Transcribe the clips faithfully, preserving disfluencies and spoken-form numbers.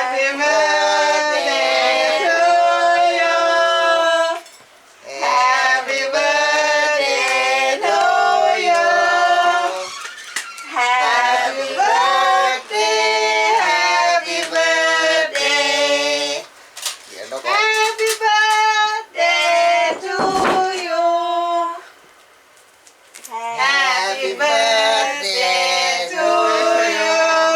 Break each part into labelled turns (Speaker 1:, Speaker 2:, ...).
Speaker 1: Happy birthday to you Happy birthday to you Happy birthday Happy birthday Happy birthday to you Happy birthday to you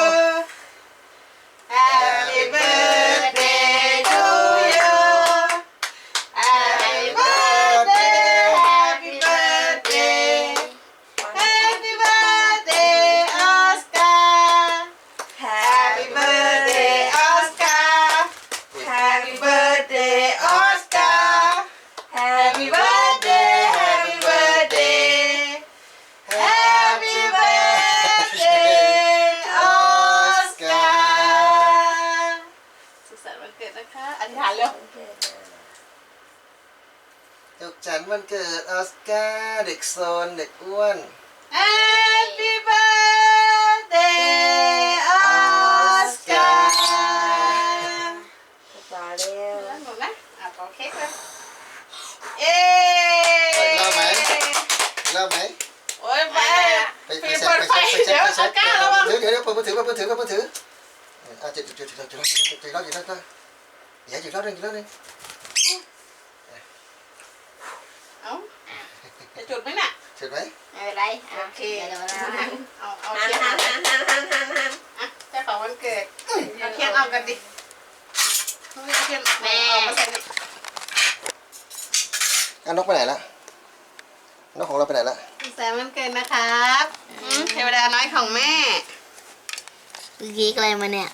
Speaker 1: Happy birthday to you Happy birthday Happy birthday Happy birthday Oscar Happy birthday Oscar Happy birthday Oscar Happy birthday Happy birthday Happy birthday Oscar สุขสันต์วันเกิดนะคะอธิษฐานเร็ว
Speaker 2: สุขสันต์วันเกิดออสการ์เด็กโซนเด็กอ้วน
Speaker 1: Happy birthday Oscar
Speaker 3: ต่อเร็ว
Speaker 1: หมดนะอ่ะขอเค้กเลยเย้
Speaker 2: เล่าไหมเล่าไหม
Speaker 1: โอ้ยไป
Speaker 2: ไปไป
Speaker 1: ปิด
Speaker 2: เช็
Speaker 1: เปิ
Speaker 2: ค
Speaker 1: ด
Speaker 2: ไป
Speaker 1: ไฟ
Speaker 2: เช็คไปเช็
Speaker 1: เดี๋
Speaker 2: ค
Speaker 1: ยว
Speaker 2: ไป
Speaker 1: อ
Speaker 2: เช็
Speaker 1: อ
Speaker 2: ค
Speaker 1: สการ์ระวัง
Speaker 2: เดี๋ยวเดี๋ยวเดี๋ยวเปิดมือถือเปิดมือถือเปิดมือถืออ่ะจุดจุดจุดจุดจุดจุดจุดจุดจุดจุดจุดอย่าจุดรอบหนึ่งจุดรอบหนึ่ง
Speaker 1: เอ้าจะจุดไหมน่ะ
Speaker 2: จุดไหม
Speaker 3: ไม่เป็นไร
Speaker 1: โอเค
Speaker 3: เดี๋ยวเรา
Speaker 1: เอาเอา
Speaker 3: หัน
Speaker 1: เทียน
Speaker 3: หั
Speaker 1: เอา
Speaker 3: นหันหันหันหันหัน
Speaker 1: อ่ะเจ้าของวันเกิดเอาเทียนเอากันดิเอาเทียนเอามาใส่ดิ
Speaker 2: อ่ะนกไปไหนละนกของเราไปไหนละ
Speaker 1: สุขสันต์วันเกิดนะครับอืมเทวดาน้อยของแม่
Speaker 3: กีกอะไรมาเนี่ย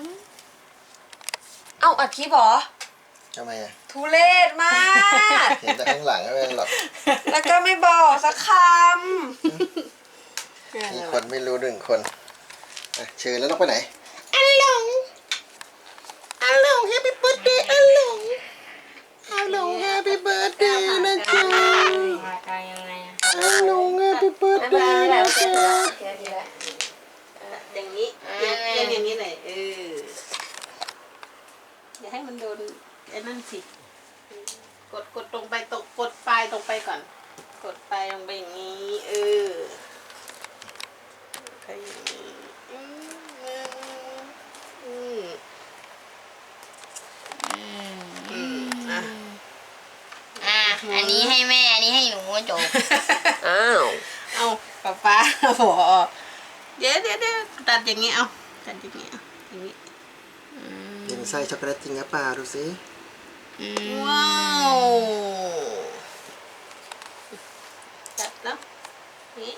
Speaker 4: เอ้าอัดคลิปเหรอ
Speaker 2: ทำไมอ่ะ
Speaker 4: ทุเรศมาก
Speaker 2: เห็นแต่ข้างหลังไม่เป็นหรอก
Speaker 4: แล้วก็ไม่บอกสักค
Speaker 2: มีคนไม่รู้หนึ่งคนอ่ะเชิญแล้วนกไปไหน
Speaker 1: อันหลง
Speaker 2: อัลลงแฮปปี้เบิร์ดเดย์อัลลงอัลลงแฮปปี้เบิร์ดเดย์นะจ๊ะ
Speaker 3: มาการยังไงอะ
Speaker 2: อัลลงแฮปปี้เบิร์ดเดย์นะจ๊ะ
Speaker 3: เดี๋ยวดีละ
Speaker 1: อย่างนี้เรียนเรียนอย่างนี้หน่อยเอออย่าให้มันโดนไอ้นั่นสิกดกดตรงไปตรงกดปลายตรงไปก่อน กดปลายลงไปอย่างนี้เออก็อย่างนี้อืมอืมอืมอ่ะ
Speaker 3: อ่ะอันนี้ให้แม่อันนี้ให้หนูจบ
Speaker 4: ำอ้าว
Speaker 1: เอาป๊าป๊าโอ้โหเดี๋ยวเดี๋ยวเดี๋ยวตัดอย่างนี้เอาตัดอย่างนี้เอาอย่างนี้
Speaker 2: ยังใส่ช็อกโกแลตจริงหรือเปล่าดูสิ
Speaker 1: ว้าวตัดแล้วนี่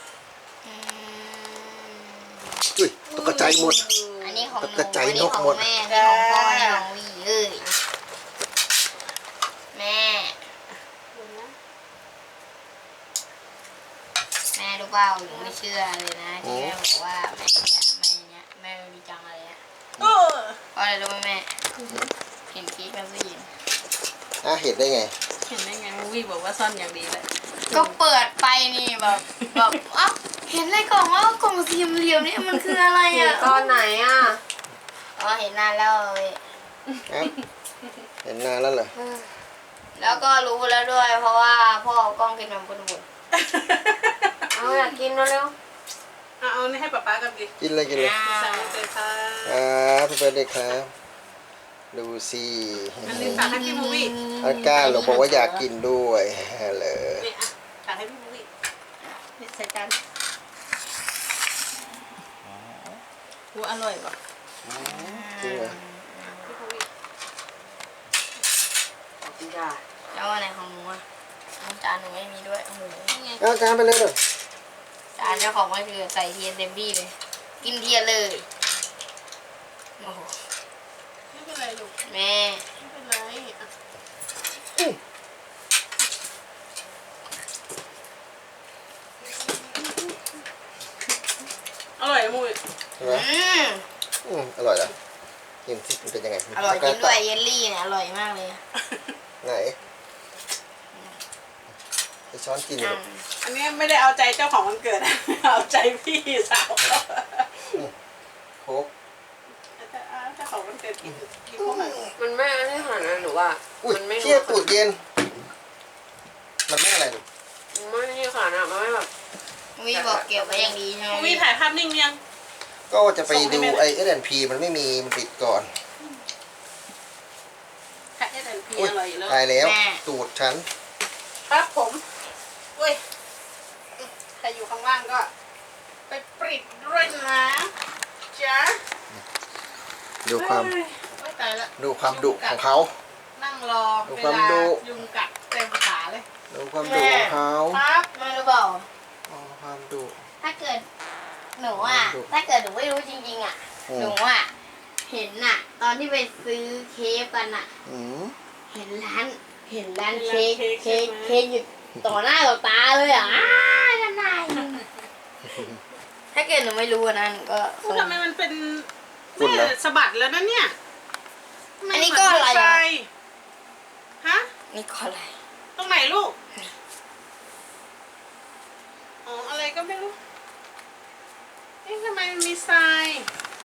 Speaker 2: อุ้ยตกใจหมด
Speaker 3: อันนี้ของหนู
Speaker 2: กระจาย
Speaker 3: อัน
Speaker 2: น
Speaker 3: นี้
Speaker 2: ก
Speaker 3: ของ
Speaker 2: หมด
Speaker 3: แม่อันนี้ของพ่ออันนี้ของวีเอ้ยแม่
Speaker 1: ดูนะ
Speaker 3: แม่รู้เปล่าหนูไม่เชื่อเลยนะที่แม่บอกว่าแม่จะแม่เนี้ยแม่ไม่มีจังอะไรอะ
Speaker 1: โอ้
Speaker 3: เพราะอะไรรู้ไหมแม่เห็นกิ๊กกับผู้หญิง
Speaker 2: อ่ะเห็นได้ไง
Speaker 1: เห็นได้ไงวิบอกว่าซ่อนอย่างดีเลย
Speaker 3: ก็เปิดไปนี่แบบแบบอ้าวเห็นในกล่องว่ากล่องสี่เหลี่ยมนี่มันคืออะไร
Speaker 4: เห็น
Speaker 3: อ่ะ
Speaker 4: ตอนไหนอ่ะ
Speaker 3: อ๋อเห็นนานแล้วเว้ย
Speaker 2: อ่ะเห็นนานแล้วเหรอ
Speaker 3: แล้วก็รู้แล้วด้วย เพราะว่าพ่อเอากล้องกินแบบคนบุญ
Speaker 4: เอาอยากกินเร็ว
Speaker 1: เอาเอานี่ให้ป๊าป๊ากับดิ
Speaker 2: กินเลยกินเลย
Speaker 1: สั่งเลยค่ะ
Speaker 2: อ่าพี่เบิร์ดเดย์ครับ ดูสิ
Speaker 1: อันนี้ฝากให้พี่มูวี่
Speaker 2: อาก้าหลงบอกว่าอยากกินด้วยเลย
Speaker 1: นี่อ่ะฝากให้พี่มูวี่นี่ใส่จานโอ้อร่อยว่ะ
Speaker 2: จริงเหรอ
Speaker 1: พี่มูวี่
Speaker 4: ๆขอบคุณจ้า
Speaker 3: แล้วอะไรของหนูอ่ะน้ำจานหนูไม่มีด้วยโอ้โห
Speaker 1: นี่ไง
Speaker 2: เอาจานไปเลยเด้อ
Speaker 3: จานเจ้าของมันคือใส่เทียนเต็มที่เลย กินเทียนเลยโอ้โห
Speaker 1: ไม่เป็นไรลูก
Speaker 3: แม่
Speaker 1: ไม่เป็นไรอ่ะอร่อยอะมูวี่
Speaker 2: ใช่ไหม
Speaker 3: อืม
Speaker 2: อืมอร่อยเหรอกินสิมันเป็นยังไง
Speaker 3: อร่อยจริงด้วยเยลลี่เนี่ยอร่อยมากเลย
Speaker 2: ไหนไปช้อนกินอยู่
Speaker 3: อ่ะ
Speaker 2: ลูก
Speaker 1: อันนี้ไม่ได้เอาใจเจ้าของวันเกิดนะ เอาใจพี่สาว
Speaker 2: โค้ก
Speaker 1: เจ้าของวันเกิด
Speaker 4: ว่า
Speaker 2: อุ้ย
Speaker 4: มันไม่
Speaker 2: เชี่ยตูดเย็น มันไม่อะไรหรอก
Speaker 4: ไม่นี่ค่ะนะมันไม่แบบ
Speaker 3: วิบอกเก็บไว้อย่างดีใช่ไหม
Speaker 1: วิถ่ายภาพนิ่งยัง
Speaker 2: ก็จะไปดูไอเอสแอนพีมันไม่มีมันปิดก่อน
Speaker 1: ค่ะเอสแอนพี
Speaker 2: อุ้ย
Speaker 1: อร่อยอยู่แล้ว
Speaker 2: ตายแล้ว ตูดฉัน
Speaker 1: ครับผมอุ้ยใครอยู่ข้างล่างก็ ไปปริดด้วยนะจ๊ะ
Speaker 2: ดูความ
Speaker 1: เอ้ยโอ๊ยตายละ
Speaker 2: ดูความดุของเขา
Speaker 1: นั่งรอ
Speaker 2: ดู
Speaker 1: เว
Speaker 2: ความ
Speaker 1: ลา
Speaker 2: ดุ
Speaker 1: ยุงกัดเต็มขาเลย
Speaker 2: ดูความดุของเขา
Speaker 1: ครับ
Speaker 3: ไม่รู้เปล่า
Speaker 2: อ๋อความดุ
Speaker 3: ถ้าเกิดหนูอ่ะ
Speaker 2: ดู
Speaker 3: ถ้าเกิดหนูไม่รู้จริงๆอ่ะ
Speaker 2: อืม
Speaker 3: หนูอ่ะ เห็นน่ะ ตอนที่ไปซื้อเคฟกันอ่ะ
Speaker 2: อืม
Speaker 3: เห็นร้าน เห็นร้านเค้กเค้กเค้กอยู่ต่อหน้าต่อตาเลยอ่ะอ้าวนั่นไงถ้าเกิดหนูไม่รู้อะนะหนูก็
Speaker 1: พูดทำไมมันเป็น
Speaker 2: ฝุ่นเหรอ
Speaker 1: แม่สะบัดแล้วนะเนี่ย
Speaker 3: อันนี้ก็อะไร
Speaker 1: ม่เหมืน
Speaker 3: อ่ะ
Speaker 1: ใส่ฮะ
Speaker 3: นี่ก็อะไร
Speaker 1: ตรงไหนลูก อ๋อ อะไรก็ไม่รู้ เอ๊ะทำไมมันมีทราย